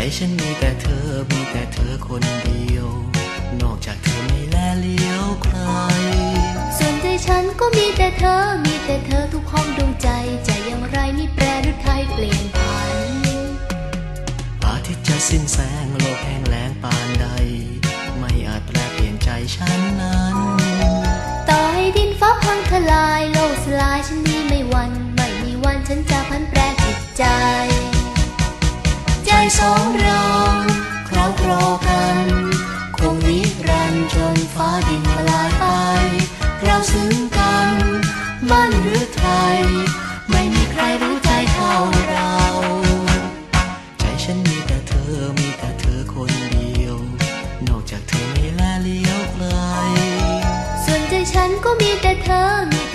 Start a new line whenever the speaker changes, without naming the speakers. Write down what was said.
ฉันมีแต่เธอมีแต่เธอคนเดียวนอกจากเธอไม่แลเลี้ยวใคร
ส่วนใจฉันก็มีแต่เธอมีแต่เธอทุกห้องดวงใจใจอย่างไรไม่แปรหรือใครเปลี่ยนผัน
อาทิตย์จะสิ้นแสงโลกแห้งแล้งปานใดไม่อาจแปลเปลี่ยนใจฉันนั้น
ต่อให้ดินฟ้าพังทลายโลกสลายฉันนี้ไม่หวั่นไม่มีวันฉันจะพันแปรจิตใจ
ใจสองเราคราวครอกันคงนิรันดร์จนฟ้าดินละลายไปเราซึ้งกันมั่นหรือไทยไม่มีใครรู้ใจเท่าเราใจฉันมีแต่เธอมีแต่เธอคนเดียวนอกจากเธอไม่แลเลี้ยวใคร
ส่วนใจฉันก็มีแต่เธอมี